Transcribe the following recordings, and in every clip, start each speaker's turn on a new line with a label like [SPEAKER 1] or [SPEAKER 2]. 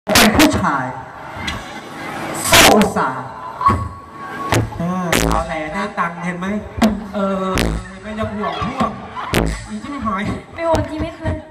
[SPEAKER 1] เป็นผู้ชายสู้สา
[SPEAKER 2] เอาแหล่ได้ตังค์เห็นไหมไม่จะห่วงพวกอีจิ้มหาย
[SPEAKER 3] ไม่ห่วงจริงไม่เคย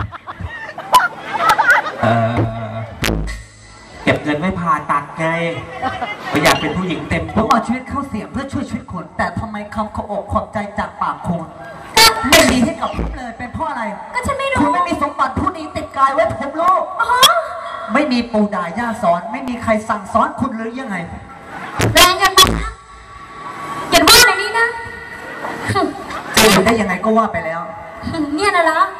[SPEAKER 2] เก็บเงินไม่ผ่าตัดไงไม่อยากเป็นผู้หญิงเต็ม
[SPEAKER 1] ผมเอาชีวิตเข้าเสี่ยงเพื่อช่วยชีวิตคนแต่ทำไมคำขบอกขอบใจจากปากคุณไม่มีให้กับผมเลยเป็นเพราะอะไร
[SPEAKER 3] ก็ฉันไม่รู้
[SPEAKER 1] คุณไม่มีสมบัติผู้นี้ติดกายไว้ผมรู้ไม่มีปู่ด่าย่าสอนไม่มีใครสั่งสอนคุณหรือยังไง
[SPEAKER 3] แรงกันมากอย่าว่าในนี้นะ
[SPEAKER 1] จะอยู่ได้ยังไงก็ว่าไปแล้ว
[SPEAKER 3] เนี่ยนะเหรอ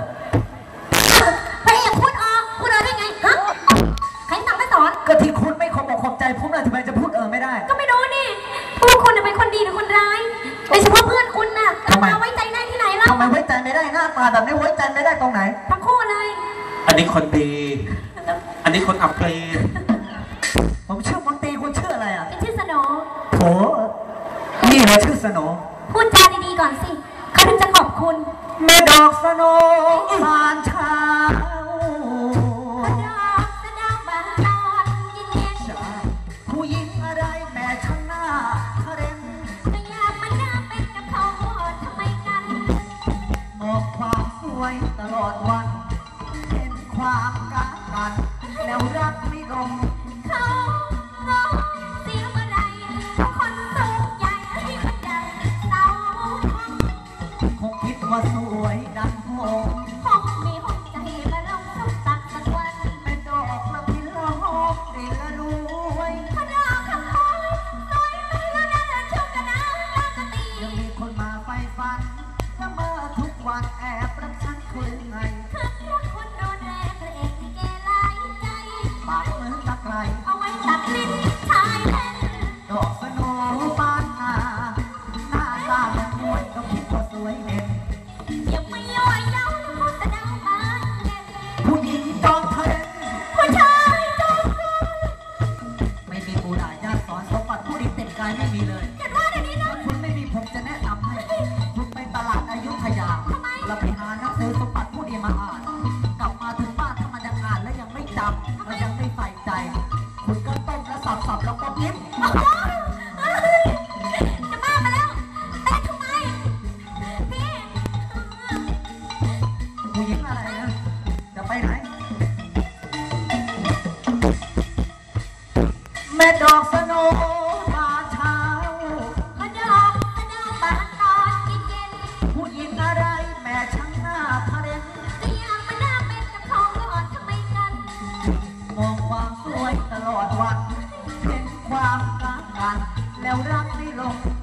[SPEAKER 3] พระเอกพูดได้ไงฮะใครสั่งไม่สอน
[SPEAKER 1] ก็ที่คุณไม่ขอบอกขอบใจผมเลยทำไมจะพูดไม่ได้
[SPEAKER 3] ก็ไม่รู้นี่พวกคุณเป็นคนดีหรือคนร้ายโดยเฉพาะเพื่อนคุณน่ะ
[SPEAKER 1] ทำไม
[SPEAKER 3] ไว้ใจได้ที่ไหนล่ะ
[SPEAKER 1] ทำไมไว้ใจไม่ได้หน้าตาแบบนี้ไว้ใจไม่ได้ตรงไหน
[SPEAKER 3] ทั้งคู่เลย
[SPEAKER 2] อันนี้คนดีอันนี้คนอับปรี
[SPEAKER 1] ผมชื่อมนตรีคุณชื่ออะไร
[SPEAKER 3] เป็นชื่อสโน
[SPEAKER 1] โถนี่เหรอชื่อสโน
[SPEAKER 3] พูดจาดีๆก่อนสิเขาถึงจะขอบคุณ
[SPEAKER 1] แม่ดอกสโนบานเช้าผู้หญิงอะไรแม่ช่างหน้าเร่ง
[SPEAKER 3] ไม่อยากมันน่าเป็นกับเขาทำไมกัน
[SPEAKER 1] มองความสวยตลอดวันเห็นความกักกันแล้วรักไม่ลง
[SPEAKER 3] เขาร้องเสียงอะไรคนสูงใหญ่ที่คนใหญ่เศร้า
[SPEAKER 1] คงคิดว่าสวยดังโหง
[SPEAKER 3] คงมีหัวใจมาลงสักตักสักวัน
[SPEAKER 1] เป็นดอกละพิลหอมดินละรวย
[SPEAKER 3] พระดาวคำคอยสวยไปแล้วน่าชุกกระน้ำตากตี
[SPEAKER 1] ยังมีคนมาไฟฟันละเมอทุกวันแอบรักฉันคืนไง
[SPEAKER 3] คืนรักคนโดนแรงพระเอกที่เกลายใจ
[SPEAKER 1] ปากเหมือนตะไคร้
[SPEAKER 3] เอาไว้ตัดลิ้นชายเล่น
[SPEAKER 1] ดอกสโนบานหน้าตาเหมือนมวยก็คิดว่าสวยเด่น
[SPEAKER 3] ยังไม่ย่อยเย้าแล้วก็แสดงมาเด่น
[SPEAKER 1] ผู้หญิงจอมเทน
[SPEAKER 3] ผู้ชายจอมเทน
[SPEAKER 1] ไม่มีปู่ด่าย่าสอนสมบัติผู้ดีเต็มกายไม่มีเลย
[SPEAKER 3] แต่ว่าเดี๋ยวนี้นะ
[SPEAKER 1] คุณไม่มีผมจะแนะนำให้คุณไปตลาดอยุธยาเราไปหาหนังสือสมบัติผู้ดีมาอ่านกลับมาถึงบ้านถ้ามันยังอ่านแล้วยังไม่จำมันยังไม่ใส่ใจคุณก็ต้มแล้วสับแล้วก็ยิ้ม
[SPEAKER 3] จะบ้ามาแล้วแต่ทำไมพี่
[SPEAKER 1] ผู้หญิงอะไรนะจะไปไหนแม่ดอกสโนบานเช้า
[SPEAKER 3] พระดอกสโนบานตอนเย็น
[SPEAKER 1] ผู้หญิงอะไรแม่ช่างหน้าทะเลน
[SPEAKER 3] ก็อยากมาหน้าเป็นกับทองก่อนทำไมกัน
[SPEAKER 1] มองความสวยตลอดวันเห็นความรักกันแล้วรักไม่ลง